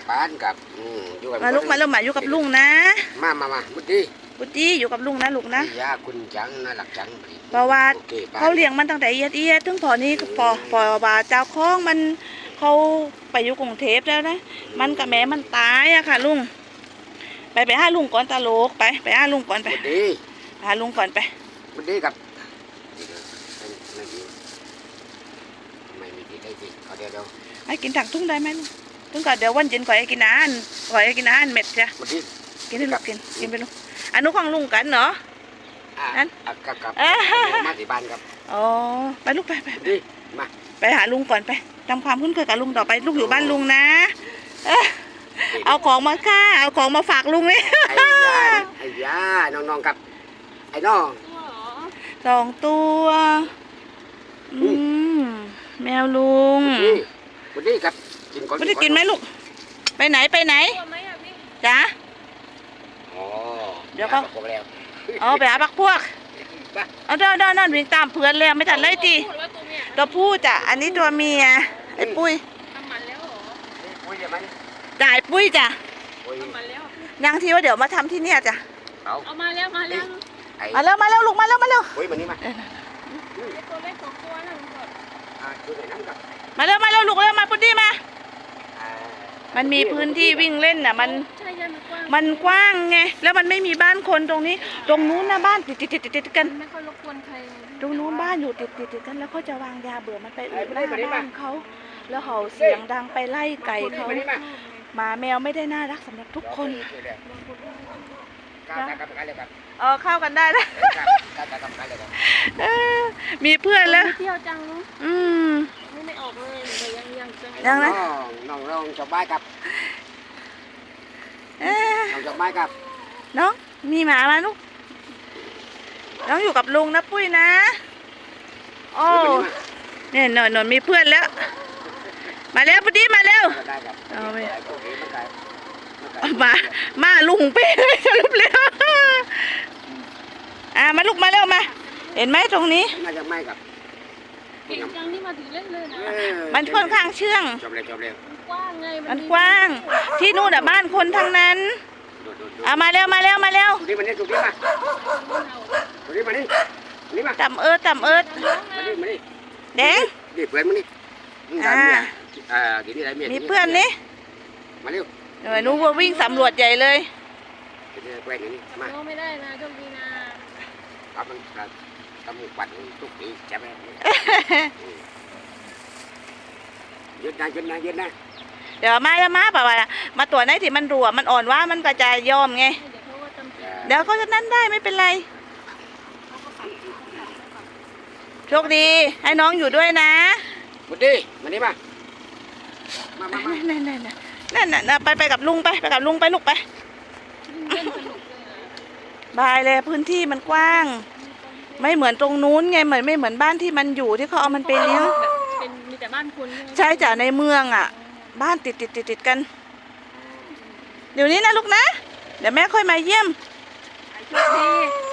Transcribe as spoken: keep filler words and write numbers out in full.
บ้านกับอยู่กับมาลูกมาเริ่มมาอยู่กับลุงนะมามามาบุตรีบุตรีอยู่กับลุงนะลูกนะยาคุณจังน่ารักจังเพราะว่าเขาเลี้ยงมันตั้งแต่เอียดเอียดถึงพอนี้พอพอบาเจ้าคล้องมันเขาไปอยู่กรุงเทพแล้วนะมันกับแม่มันตายอะค่ะลุงไปไปหาลุงก่อนตาโลกไปไปหาลุงก่อนไปหาลุงก่อนไปบุตรีกับไม่มีที่ได้สิเอาเดี๋ยวเดี๋ยวไอ้กินถังทุ่งได้ไหมลุงทุ่งก่อนเดี๋ยววันเย็นก่อนไอ้กินอาหารก่อนไอ้กินอาหารเม็ดจ้ะกินให้ลูกกินกินไปลูกอนุของลุงกันเนาะนั่นกับกับมาที่บ้านครับอ๋อไปลูกไปไปมาไปหาลุงก่อนไปทำความคุ้นเคยกับลุงต่อไปลูกอยู่บ้านลุงนะเอาของมาค่าเอาของมาฝากลุงเลยไอ้ยาไอ้ยาน้องๆกับไอ้น้องสองตัวอืมแมวลุงวันนี้ครับกินก่อนวันนี้กินไหมลูกไปไหนไปไหนจ้าเดี๋ยวก็อ๋อไปหาพักพวกเอาเดินเดินนั่นวิ่งตามเพื่อนแล้วไม่ทันเลยจีตัวผู้จ้ะอันนี้ตัวเมียไอ้ปุ้ยทำมันแล้วเหรอปุ้ยจะมันจ่ายปุ้ยจ้ะทำมันแล้วยังทีว่าเดี๋ยวมาทำที่เนี่ยจ้ะเอามาแล้วมาแล้วมาแล้วมาแล้วลูกมาแล้วมาแล้วปุ้ยมานี่มาตัวเล็กสองตัวนั่นก่อนมาแล้วมาแล้วลูกเร็วมาปุ้ยมามันมีพื้นที่วิ่งเล่นน่ะมันมันกว้างไงแล้วมันไม่มีบ้านคนตรงนี้ตรงนู้นนะบ้านติดติดติดติดกันไม่ค่อยรบกวนใครตรงนู้นบ้านอยู่ติดติดติดกันแล้วเขาจะวางยาเบื่อมันไปอุดหน้าบ้านเขาแล้วเห่าเสียงดังไปไล่ไก่เขาหมาแมวไม่ได้น่ารักสำหรับทุกคนเออเข้ากันได้นะมีเพื่อนแล้วเที่ยวจังลูกอืมไม่ออกเลยแต่ยังยังยังนะน้องน้องจบบ้านกับน้องจบบ้านกับน้องมีหมามาลูกน้องอยู่กับลุงนะปุ้ยนะโอ้เนี่ยหน่อยหน่อยมีเพื่อนแล้วมาแล้วพอดีมาเร็วเอาไปมามาลุงไปเลยสรุปแล้วอ่ามาลูกมาเร็วมาเห็นไหมตรงนี้มาจากไม่กับเก่งจังนี่มาถึงเล่นเลยนะมันค่อนข้างเชื่องจบเลยจบเลยมันกว้างไงมันกว้างที่นู่นอ่ะบ้านคนทั้งนั้นอ่ะมาเร็วมาเร็วมาเร็วดูดิมันนี่ดูดิมาดูดิมันนี่นี่มาต่ำเอิดต่ำเอิดมาดิมาดิแดงดิเพื่อนมันนี่อ่าอ่าทีนี้อะไรเมียมีเพื่อนนี่มาเร็วเออหนูว่าวิ่งสำรวจใหญ่เลยแกล้งนี่มาไม่ได้นะโชคดีนะครับมันทำหมูปั่นทุกปีใช่ไหมยืดนะยืดนะยืดนะเดี๋ยวมาแล้วมาป่าวมาตัวไหนที่มันรัวมันอ่อนว่ามันก็จะยอมไงเดี๋ยวเขาจะนั่นได้ไม่เป็นไรโชคดีให้น้องอยู่ด้วยนะบุตรีมานี่มามามานั่นนั่นนั่นนั่นไปไปกับลุงไปไปกับลุงไปลูกไปบายเลยพื้นที่มันกว้างไม่เหมือนตรงนู้นไงเหมือนไม่เหมือนบ้านที่มันอยู่ที่เขาเอามันไปเลี้ยงเป็นมีแต่บ้านคนใช่จ้ะในเมืองอ่ะบ้านติดติดติดติดกันเดี๋ยวนี้นะลูกนะเดี๋ยวแม่ค่อยมาเยี่ยมโชคดี